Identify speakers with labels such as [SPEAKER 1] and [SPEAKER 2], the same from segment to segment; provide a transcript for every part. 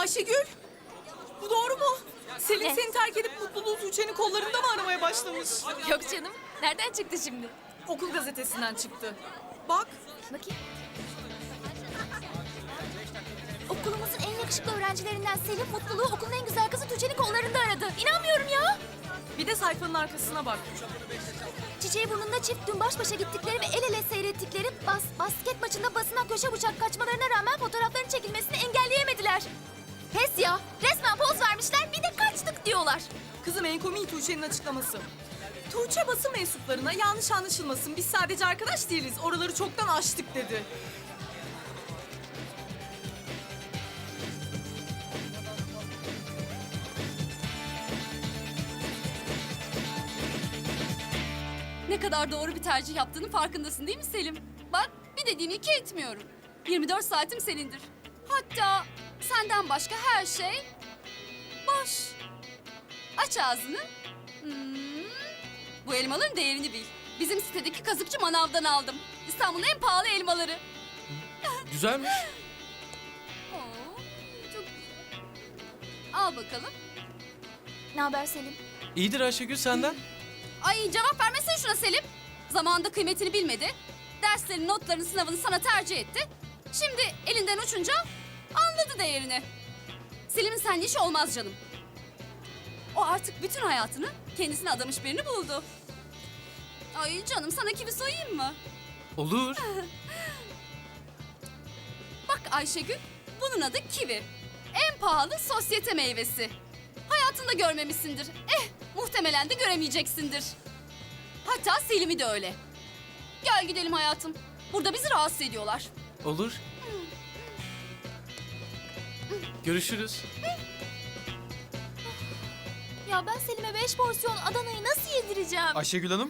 [SPEAKER 1] Ayşegül, bu doğru mu? Selin seni terk edip mutluluğu Tuğçe'nin kollarında mı aramaya başlamış?
[SPEAKER 2] Yok canım. Nereden çıktı şimdi?
[SPEAKER 1] Okul gazetesinden çıktı. Bak,
[SPEAKER 2] Bakayım. Okulumuzun en yakışıklı öğrencilerinden Selim mutluluğu okulun en güzel kızı Tuğçe'nin kollarında aradı. İnanmıyorum ya.
[SPEAKER 1] bir de sayfanın arkasına bak.
[SPEAKER 2] Çiçeği burnunda çift dün baş başa gittikleri ve el ele seyrettikleri basket maçında basına köşe bıçak kaçmalarına rağmen fotoğrafların çekilmesini engelleyemediler. Pes ya. Resmen poz vermişler bir de kaçtık diyorlar.
[SPEAKER 1] Kızım en komiği Tuğçe'nin açıklaması. Tuğçe basın mensuplarına yanlış anlaşılmasın. Biz sadece arkadaş değiliz. Oraları çoktan aştık dedi.
[SPEAKER 3] Ne kadar doğru bir tercih yaptığının farkındasın değil mi Selim? Bak bir dediğini iki etmiyorum. 24 saatim senindir. Hatta senden başka her şey boş. Aç ağzını. Hmm. Bu elmaların değerini bil. Bizim sitedeki kazıkçı manavdan aldım. İstanbul'un en pahalı elmaları.
[SPEAKER 4] Güzelmiş.
[SPEAKER 3] Oo, çok güzel. Al bakalım.
[SPEAKER 2] Ne haber Selim?
[SPEAKER 4] İyidir Ayşegül senden.
[SPEAKER 3] Ay cevap vermesene şuna Selim. Zamanında kıymetini bilmedi. Derslerin, notların, sınavını sana tercih etti. Şimdi elinden uçunca anladı değerini. Selim'in seninle işi olmaz canım. O artık bütün hayatını kendisine adamış birini buldu. Ay canım sana kivi soyayım mı?
[SPEAKER 4] Olur.
[SPEAKER 3] Bak Ayşegül, bunun adı kivi. En pahalı sosyete meyvesi. Hayatında görmemişsindir. Muhtemelen de göremeyeceksindir. Hatta Selim'i de öyle. Gel gidelim hayatım. Burada bizi rahatsız ediyorlar.
[SPEAKER 4] Olur. Görüşürüz.
[SPEAKER 2] Ya ben Selim'e 5 porsiyon Adana'yı nasıl yedireceğim?
[SPEAKER 5] Ayşegül Hanım,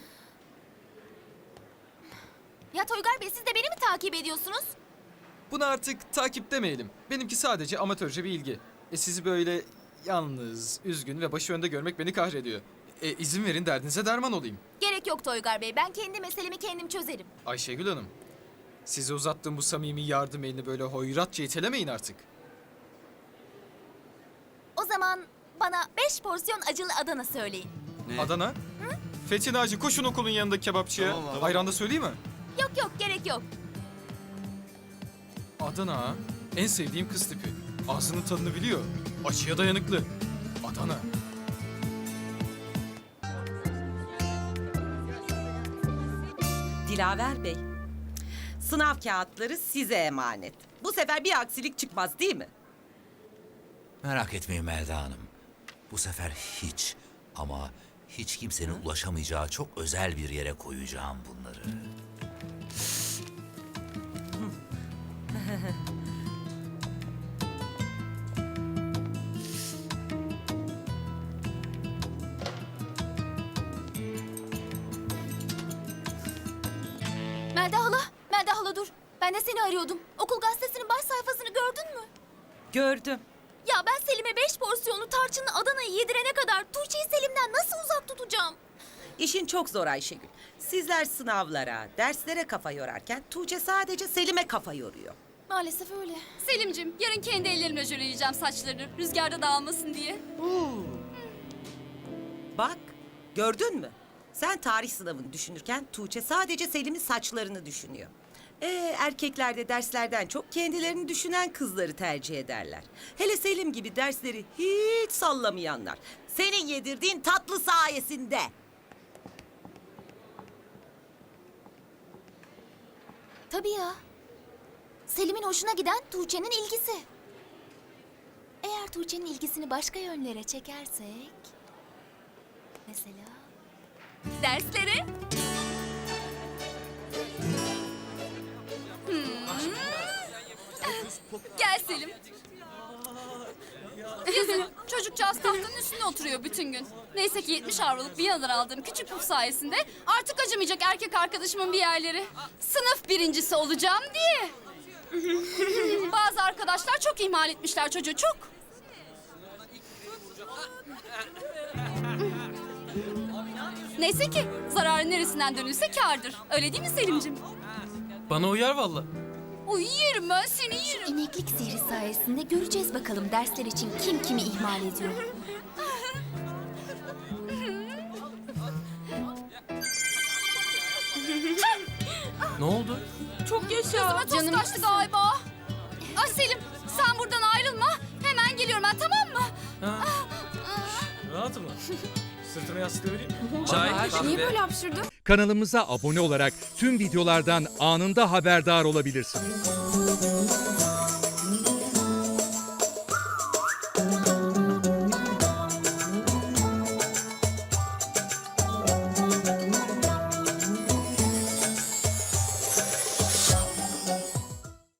[SPEAKER 2] Ya Toygar Bey siz de beni mi takip ediyorsunuz?
[SPEAKER 5] bunu artık takip demeyelim. Benimki sadece amatörce bir ilgi. Sizi böyle yalnız, üzgün ve başı önde görmek beni kahrediyor. İzin verin derdinize derman olayım.
[SPEAKER 2] Gerek yok Toygar Bey. Ben kendi meselemi kendim çözerim.
[SPEAKER 5] Ayşegül Hanım, size uzattığım bu samimi yardım elini böyle hoyratça itelemeyin artık.
[SPEAKER 2] O zaman bana 5 porsiyon acılı Adana söyleyin.
[SPEAKER 5] Adana? Fethi Naci koşun okulun yanındaki kebapçıya.
[SPEAKER 6] Tamam.
[SPEAKER 5] Ayran da söyleyeyim mi?
[SPEAKER 2] Yok yok gerek yok.
[SPEAKER 5] Adana ha? En sevdiğim kız tipi. Ağzının tadını biliyor. Acıya dayanıklı. Adana.
[SPEAKER 7] Dilaver Bey, sınav kağıtları size emanet. Bu sefer bir aksilik çıkmaz değil mi?
[SPEAKER 6] Merak etmeyin Melda Hanım. Bu sefer hiç ama hiç kimsenin ulaşamayacağı çok özel bir yere koyacağım bunları.
[SPEAKER 2] Melda hala dur. Ben de seni arıyordum. Okul gazetesinin baş sayfasını gördün mü?
[SPEAKER 7] Gördüm.
[SPEAKER 2] Ya ben Selim'e 5 porsiyonlu tarçınlı Adana'yı yedirene kadar Tuğçe'yi Selim'den nasıl uzak tutacağım?
[SPEAKER 7] İşin çok zor Ayşegül. Sizler sınavlara, derslere kafa yorarken Tuğçe sadece Selim'e kafa yoruyor.
[SPEAKER 2] Maalesef öyle.
[SPEAKER 3] Selim'cim yarın kendi ellerimle jöleleyeceğim saçlarını. Rüzgarda dağılmasın diye.
[SPEAKER 7] Bak, gördün mü? Sen tarih sınavını düşünürken Tuğçe sadece Selim'in saçlarını düşünüyor. Erkekler de derslerden çok kendilerini düşünen kızları tercih ederler. Hele Selim gibi dersleri hiç sallamayanlar. Senin yedirdiğin tatlı sayesinde.
[SPEAKER 2] Tabii ya. Selim'in hoşuna giden Tuğçe'nin ilgisi. Eğer Tuğçe'nin ilgisini başka yönlere çekersek... Mesela... Derslere.
[SPEAKER 3] Gel Selim. Yazın çocukcağız tahtanın üstünde oturuyor bütün gün. Neyse ki 70 avroluk Viyana'dan aldığım küçük puf sayesinde artık acımayacak erkek arkadaşımın bir yerleri. Sınıf birincisi olacağım diye. Bazı arkadaşlar çok ihmal etmişler çocuğu çok. Neyse ki zararın neresinden dönülse kârdır. Öyle değil mi Selim'cim?
[SPEAKER 4] Bana uyar valla.
[SPEAKER 3] Uy yerim ben seni yerim.
[SPEAKER 2] İneklik sihri sayesinde göreceğiz bakalım dersler için kim kimi ihmal ediyor.
[SPEAKER 4] Ne oldu?
[SPEAKER 1] Çok yaşa.
[SPEAKER 3] Gözüme toz kaçtı galiba. Ay Selim sen buradan ayrılma. Hemen geliyorum ben, tamam mı?
[SPEAKER 4] Ha. Rahat mı? Sırtına yastığı vereyim.
[SPEAKER 1] Niye böyle hapşırdın?
[SPEAKER 8] Kanalımıza abone olarak tüm videolardan anında haberdar olabilirsiniz.